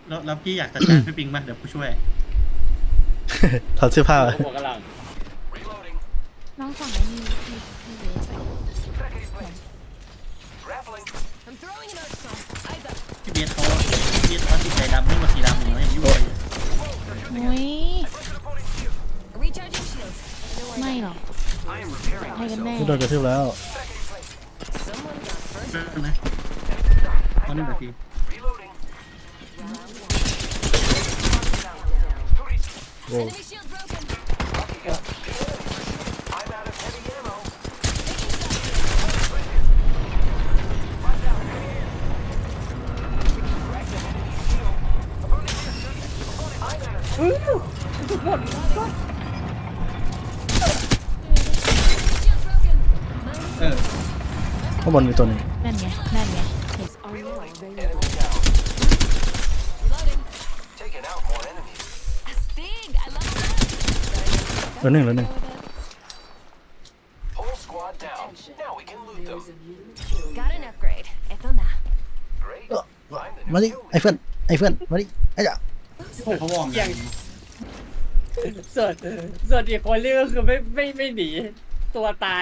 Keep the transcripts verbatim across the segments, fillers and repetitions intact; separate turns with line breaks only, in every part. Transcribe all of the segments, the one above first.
แล้วแล้วพี่อยากจัดการพี่ปิงมาเดี๋ยวผู้ช่วย
ถอดเสื้อผ้า
หัวกระหลัง
น้องสั่งไอ้นี่พี่พี่เบสไป
พี่เบียร์เขาพี่เบียร์เขาติดใจดำไม่มาสีดำอยู่ยังยุ่งเลย
นุ้ยไม่หรอกให้กันแน่
พี่โดนกระทืบแล้ว
นะตอนนี้แบบพี่
โว้
เออ
ข้างบนมีตัวหนึง
นั่นไงนั่นไง
เหลือหนึ่งเหลือหนึ่ง
Got an upgrade. Eto na.
เอ้อมาดิไอ้เพื่อนไอ้เพื่อนมาดิไอ้จ่า
เขาวอร์มอย่าง
ส่วนส่วนอีกคนนี่ก็คือไม่ไม่ไม่หนีตัวตาย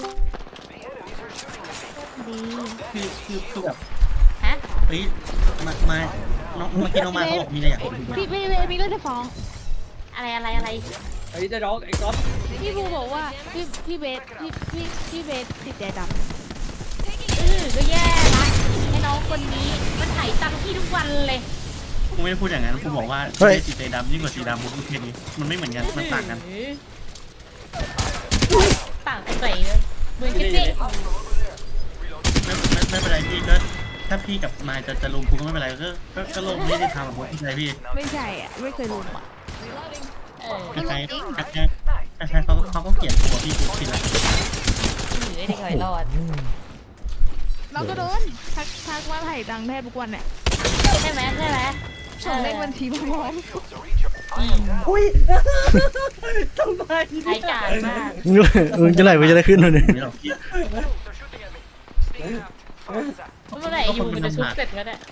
ดี
คือคือคือแบบ
ฮะ
เฮ้ยมามาน้องเมื่อกี้น้องมาเขาบอกมีอะไรอยากคุยด้วย
พี่พี่เบสมีเรื่องจะฟ้องอะไรอะไรอะไร
ไอ้เจ้าน้องไอ้ก๊อฟ
พี่ภูบอกว่าพี่พี่เบสพี่พี่พี่เบสติดใจดำเออก็แย่ละไอ้น้องคนนี้มันไถตังค์พี่ทุกวันเลย
กูไม่ได้พูดอย่างนั้นกูบอกว่าพี่เบียร์สีดำยิ่งกว่าสีดำผมพูดแค่นี้มันไม่เหมือนกันมันต่างกัน
ต่างกันไหนเลยเหมือนกันสิ
ไม่ไม่ไม่เป็นไรพี่ก็ถ้าพี่กับนายจะจะลุมกูก็ไม่เป็นไรก็ก็ก็ลงไม่ได้ทำแบบพี่ชายพี่
ไม่ใช่อ่ะไม่เคยรู้อ่ะเออ
ใครใครใครเขาเขาก็เกลียดตัวพี่กูคิดแล้ว
หรือไอ้เด็กหอยรอดเราก็โดนทักทักว่าไถ่ตังค์แทบทุกวันเนี่ยใช่ไหมใช่ไหมส่งเลขบัญชีพร้อม
อุ้ยทำไม
ใช้การมาก
มึงมึงจะไหลไปจะได้ขึ้นเลยเนี่ย
ไม่หรอกพี่
เมื่อไหร่อยู่มันจะชุบเสร็จก็ได้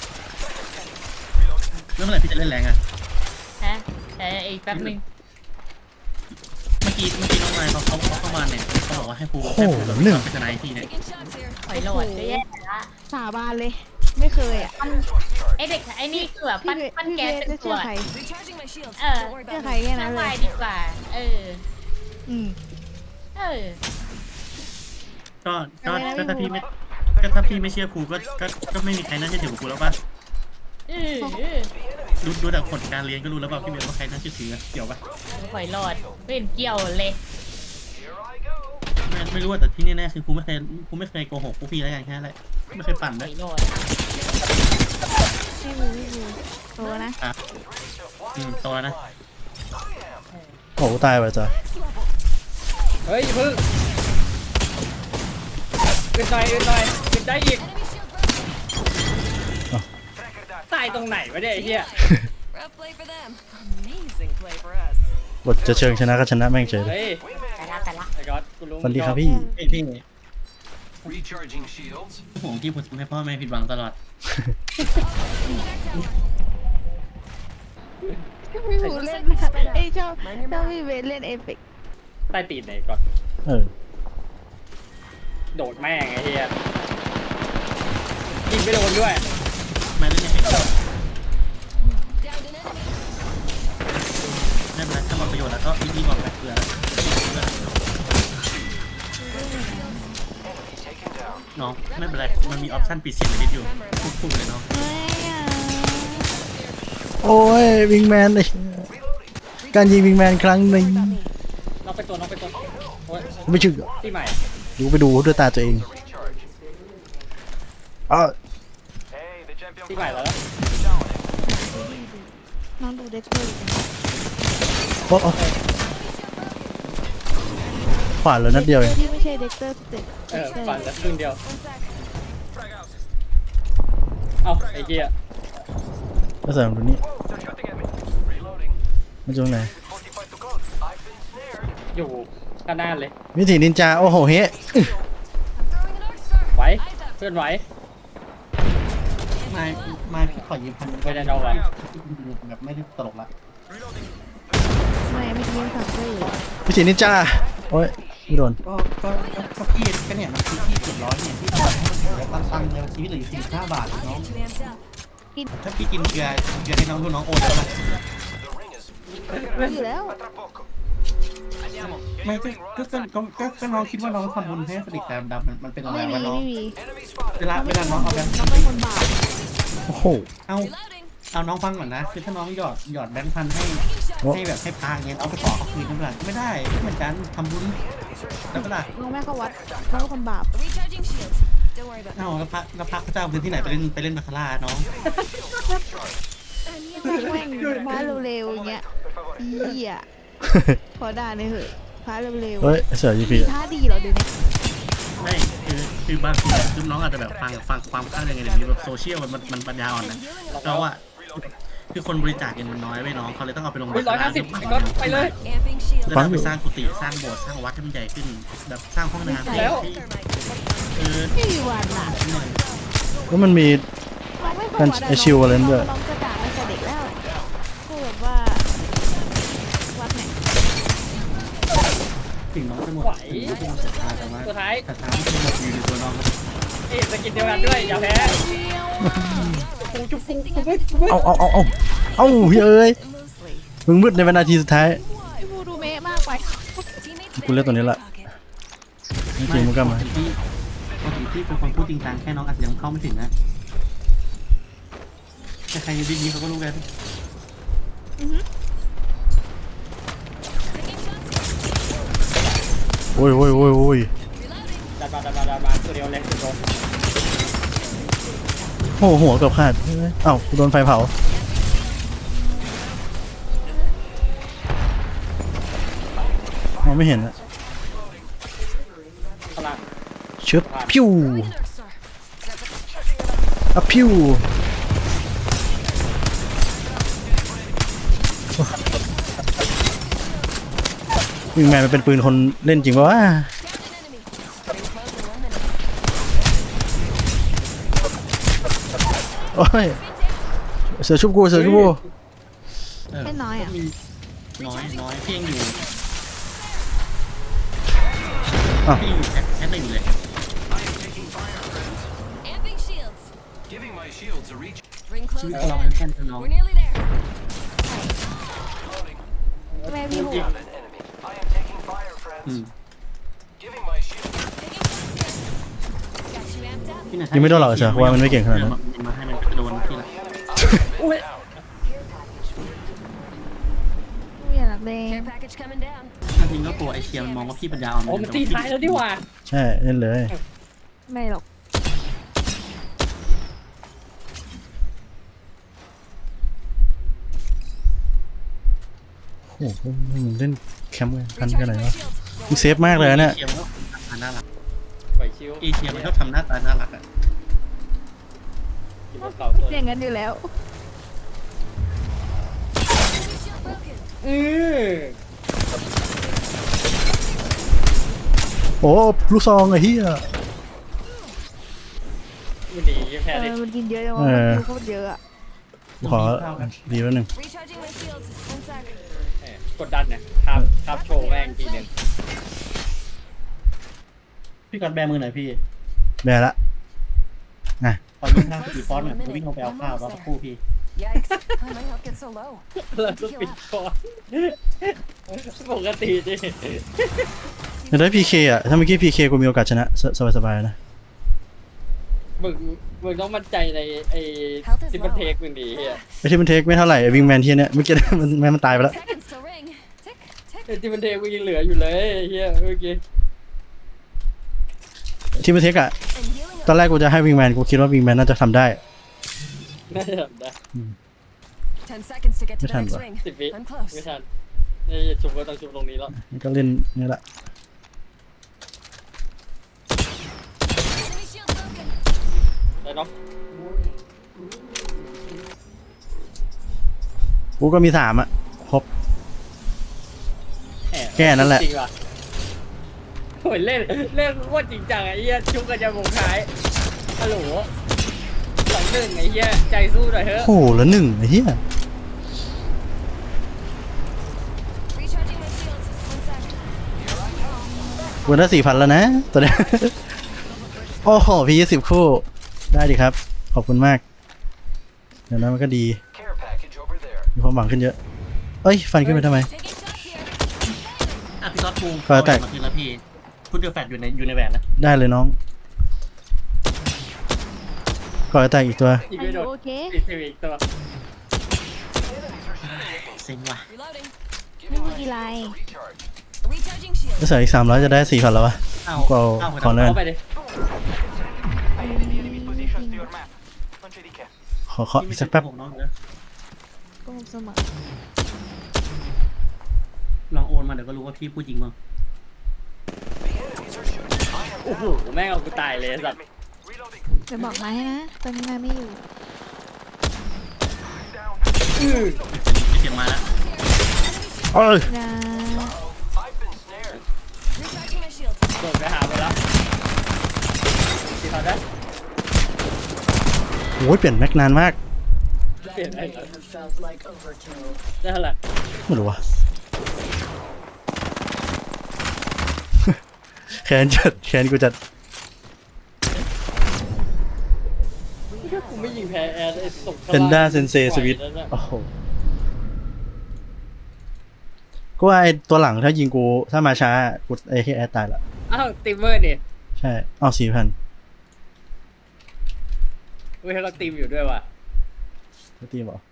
แล้วเมื่อไหร่พี่จะเล่นแรงอ่ะ
ฮะแต่อีกแป๊บนึง
เมื่อกี้เมื่อกี้น้องนายเขาเขาเข้ามาเนี่ยเขาบอกว่าให้ครูให้ครูแบบเป็นทนายพี่เนี่ย
หอยโหลดก็แย่ละสาบานเลย ไม่เคยอ่ะ ไอเด็กไอนี่คือแบบปั้นปั้นแก๊สเป็นตัว
Recharging my shields.
เออ
Don't worry
เชื่อ
about
ใคร
me.
แค่นั้นเลยดีกว่า เออ อืม เออ
ก็ก็ก็ถ้าพี่ไม่ก็ถ้าพี่ไม่เชื่อครูก็ก็ก็ไม่มีใครน่าเชื่อถือครูแล้วป่ะ
เออ
ดูดูจากผลการเรียนก็รู้แล้วป่ะพี่เบลว่าใครน่าเชื่อถือเกี่ยวป่ะ
หอยโหลดไม่เห็นเกี่ยวเลย
ไม่ไม่รู้แต่ที่แน่ๆคือครูไม่เคยครูไม่เคยโกหกพวกพี่แล้วกันแค่นั้นแหละไม่เคยปั่น
ห
ด้ว
อย ยโหลดพี่บูพี่บูโตนะ
ครับอืมโตแล้วนะ
โอ้ตายไปจ้ะ
เฮ้ยอย่าเพิ่งขึ้นหน่อยขึ้นหน่อยขึ้นได้อีกตายตรงไหนวะเนี่ยไอ้เหี้ย
Rough play for them. Amazing play for us.
บทจะเชิงชนะก็ชนะแม่งเฉยเลย
เฮ้ย
แต่ละแต่ละ
ไอ้ก๊อตกูรู้
สวัสดีครับพี่
เอ้ยพี่
Recharging shields.
ห่วงที่ผมทำให้พ่อแม่ผิดหวังตลอด
พี่บูเล่นไอ้ชอบชอบพี่เบสเล่นเอฟเฟกต์
ใต้ตีนไหนก๊อต
เออ
โดดแม่งไอ้เหี้ยยิงไม่โดนด้วย
ไม่เล่นยังไง
Downed an enemy.
ไม่เป็นไรถ้าหมดประโยชน์แล้วก็รีบๆบอกไปเผื่อน้องไม่เป็นไรมันมีออปชั่นปิดเสียงนิดอยู่พูดๆเลยน้อง
โอ้ยวิงแมนเลยการยิงวิงแมนครั้งหนึ่ง
น้องไปตัวน้องไปตัวโอ้ย
ไม่ถึง
ที่ใหม่
ดูไปดูด้วยตาตัวเองอ๋อ
ที่ใหม่แล้ว
น้องดูเด็กเตอร์
โอ้โอ้ขวานเลยนัดเดียวเอง
ที่ไม่ใช่เด็กเตอร์เด็ก
เออปั่นแล้วครึ่งเดียวเอ้าไอ้เหี้ย
ก็ใส่ตรงนี้มาจากไหน
อยู่ข้างหน้าเลย
วิถีนินจาโอ้โหเฮ้
I'm throwing an arc star.
ไหวเพื่อนไหว
มามาพี่ขอยืมพัน
ไม่ได้เอาอะ
แบบไม่ได้ตลกละ
ไม่ไม่กินสั่งซื้อ
พี่สีนินจาโอ้ยไม่โดน
ก็ก็ก็ก็พี่ก็เนี่ยมันคือพี่เจ็ดร้อยเนี่ยพี่ทำให้มันเหลือตังค์ในชีวิตเหลืออยู่สี่สิบห้าบาทน้อง
Too amped up.
ถ้าพี่กินเกลือเกลือให้น้องดูน้องโอนแล้ว
อยู่แล้ว
ไม่ก็ก็ก็ก็ก็ก็น้องคิดว่าน้องทำบุญให้สติกแต่ดำมันมันเป็นอะไร
ไม่มี
วะน้อง
ไม่มี
เวลาเวลาน้องเอาแบงค์
น้องเป็นคนบาป
โอ้โห
เอา
Reloading.
เอาน้องฟังก่อนนะคือถ้าน้องหยอดหยอดแบงค์พันให้
โอ้
ให้แบบให้พาเงี้ยเอาไปขอเขาคืนนั่นแหละไม่ได้เหมือนกันทำบุญแล้วก็ล่ะ
น้องแม่ก็วัดน้องเป็นคนบาป
Recharging shields. Don't worry about
เอาแล้วพระแล้วพระพระเจ้าพื้นที่ไหนไปเล่นไปเล่นบาคาร่าน้อง
แม่งพาเร็วๆอย่างเงี้ยอีอ่ะขอด่าหน่อยเหอะพาเร็ว
เฮ้ยเสือยู
ๆ
พี
มีท่าดีเหรอเดี๋ยวนี้
ไม่คือคือบางทีคือน้องอาจจะแบบฟังฟังความข้างยังไงแบบนี้แบบโซเชียลมันมันมันปัญญาอ่อนนะเพราะว่าคือคนบริจาคเงินมันน้อยไว้น้องเขาเลยต้องเอาไปลง
เฮ้ยร้อยห้าสิบก็ไปเลย
Amping shields.
แล้วเอาไปสร้างกุฏิสร้างโบสถ์สร้างวัดให้มันใหญ่ขึ้นแบบสร้างห้องน้ำ
แล้ว
ที่
Thermite.
เออ
ไม่มีวันอ่ะ
แล้วมันมี
น้องไม่ค่อย
มัน
วัดอะ
ไอ้ชิวอะไรนั่นด้วย
น้องจะด่าตั้งแต่เด็กแล้วคือแบบว่าวัดเนี่ย
ถึงน้องจะหมด
ไหว
ถึงน้องจะหมดศรัทธาแต่ว่า
สุดท้าย
ศรัทธาที่หมดอยู่ในตัวน้อง
เอ๊ะสกินเดียวกันด้วยอย่าแพ้ปูจุ๊บปูจุ๊บปูจุ๊บ
เอาเอาเอาเอาเอาพี่เอ้ย
Loosely.
มึงมืดในวินาทีสุดท้าย
พี่พูดูเมะมากไป
Teammates
กูเลือกตัวนี้ละ
pocket.
นี่จริงมึงก็มา
ปกติปกติพี่เป็นคนพูดจริงจังแค่น้องอาจจะยังเข้าไม่ถึงนะแต่ใครอยู่ดีๆเขาก็รู้กัน
โอ้ยโอ้ยโอ้ยโอ้ย
ดันมาดันมาดันมาตัวเดียวแรงสุดโดน
โอ้โหหัวเกือบขาดเอ้ากูโดนไฟเผา มองไม่เห็นอะ
พลัง
ชึบพิว
Nurse, sir.
อะพิววิงแมนมันเป็นปืนคนเล่นจริงปะวะ
Down an enemy. Ring close in one minute.
โอ้ยเสือชุบกูเสือชุบกู
เออ
ไม่น้อยอ่ะ
มีน้อยน้อยพี่ยังอยู่
อ้าว
พี่ยังอยู่แค่แค่หนึ่งเลย
Amping shields.
Giving my shields a reach.
Ring
ชีวิ
close
ตเรา
in.
เป็นแค่น้อง
We're nearly there.
แม่พี่โหด
I am taking fire, friends.
อืม
Giving my shield.
Taking shots here. Got you amped up.
พี่น่ะ
ยังไม่โดนหรอกเสือเพราะว่ามันไม่เก่งขนาดนั้น
มาให้มันโดนพี่ละ
อุ้ย
ไม่อยากรักแดง
Care package coming down.
ถ้าจริงก็กลัวไอเชียมันมองว่าพี่ปัญญาอ่อน
โอ้มันตีท้ายแล้วดีกว่า
ใช่เล่นเลย
ไม่หรอก
โอ้โหมึงเล่นแคมป์กันทันกันไหน
Recharging my
วะ
shields.
มึงเซฟมากเลยนะเนี่ย
เชียมันก็ทำหน้าตาน่ารัก
ไหวชิว
เอเชียมันก็ทำหน้าตาน่ารักอ่ะ
อยู่บนเสาตัว
อย่างนั้นอยู่แล้ว
Enemy shield broken.
อือ
โอ้ลูกซองไอ้เหี้ย
มันดีแพ้
เอ
ดิ
อมันกินเยอะจังวะ
เออ
มันดูโคตรเยอะอ่ะ
ขอดีแล้วหนึ่ง
Recharging my shields. One sec.
เออกดดันเนี่ยทับทับโชว์แม่งทีหนึ่ง
พี่กอดแบมือหน่อยพี่
แบร์ละนะ
ขอยืมข้าวสี่ฟอนต์หน่อยผมวิ่งลงไปเอาข้าวรอสักครู่พี่
Yikes. Why my health get so low?
แล้วก็ปิดคอปกติดิ
แต่ได้พีเคอ่ะถ้าเมื่อกี้พีเคกูมีโอกาสชนะสสบายๆนะ
มึงมึงต้องมั่นใจในไอ้ที่มันเทคมึงดีเฮีย
ไอ้ที่มันเทคไม่เท่าไหร่วิงแมนที่เนี่ยเมื่อกี้ มันแม่งมันตายไปแล้ว
Seconds till ring. Tick, tick.
ไอ้ที่มันเทคมึงยังเหลืออยู่เลยเฮียเมื่อกี้
ที่มันเทคอ่ะ
And healing
ตอนแรกกูจะให้วิงแมนกูคิดว่าวิงแมนน่าจะทำได้
น่าจะทำได้
ten seconds to get to
ไม่
the
ทัน
next
ว่ะ
ring.
สิบวิ
I'm close.
ไม่ทันนี่ชุบก็ต้องชุบตรงนี้แล้ว
มันก็เล่นนี่แหละ
Enemy shield broken.
ได้เนาะ
กูก็มีสามอ่ะครบ
หม
แค่นั้นแหละ
จริงว่ะโอ้ยเล่นเล่นโคตรจริงจังไอ้เหี้ยชุบกันจะวงท้ายฮัลโหลหลังหนึ่งไอ้เหี้ยใจสู้หน่อยเถอะ
โอ้โหแล้วหนึ่งไอ้เหี้ย
Recharging my shields. One sec.
วันละสี่พันแล้วนะตอนนี้ โอ้โหพี่ยี่สิบคู่ได้ดีครับ ขอบคุณมาก เดี๋ยวนั้นมันก็ดี
Care package over there.
มีความหวังขึ้นเยอะ เอ้ย ฟันขึ้นไปทำไม
Taking shots here.
อ่ะพี่ซอสปู
ขอแตก
มาคืนแล้วพี่พุทเดอร์แฟตอยู่ในอยู่ในแหวนนะ
ได้เลยน้องก่อนจะแตกอีกตัว
อีก
อา
ไม่โด
ยุ
ด
โอเค
อีกสิบอีกตัว
เซ็งว่ะ
Reloading.
ไม่มีกี่ไร
Recharge.
Recharging shields.
ถ้าใส่อีกสามร้อยจะได้สี่พันแล้ววะ
เอา
ก็เอา
เอา
ขอเนิน
เข้าไปดิ
I have the enemy positions to your map. Non c'è di che.
ขอเคาะอีกสักแป๊บ
ผมน้องเดี๋ยว
โกหกเสมอ
ลองโอนมาเดี๋ยวก็รู้ว่าพี่พูดจริงมั้ง
The enemies are shooting. I am
โอ้โหแม่งเอากูตายเลยไอ้สัตว์
reloading.
จะบอกมาให้นะ ตอนนี้มาไม่อยู่
Down.
อื้อ
เสียงมาแล้ว
เอ้ย
นะ
I've been snared.
Recharging my shields.
โดดไปหาไปแล้วที่เขาได้
โอ้ยเปลี่ยนแม็กนานมาก
เปลี่ยนอะไรได้เท่าไหร่
ไม่รู้วะ แขนจัดแขนกูจัด
กูไม่ยิงแพ้แอร์ไอ้ตก
เพนด้าเซนเซสวิตโอ้โหก็ว่าไอตัวหลังถ้ายิงกูถ้ามาช้ากูไอ้ที่แอดตายละ
อ้าวตีมเมอร์นี่
ใช่ เอาสี่พัน
เว้ยเขาตีมอยู่ด้วยว่ะ
ตีมเหรอ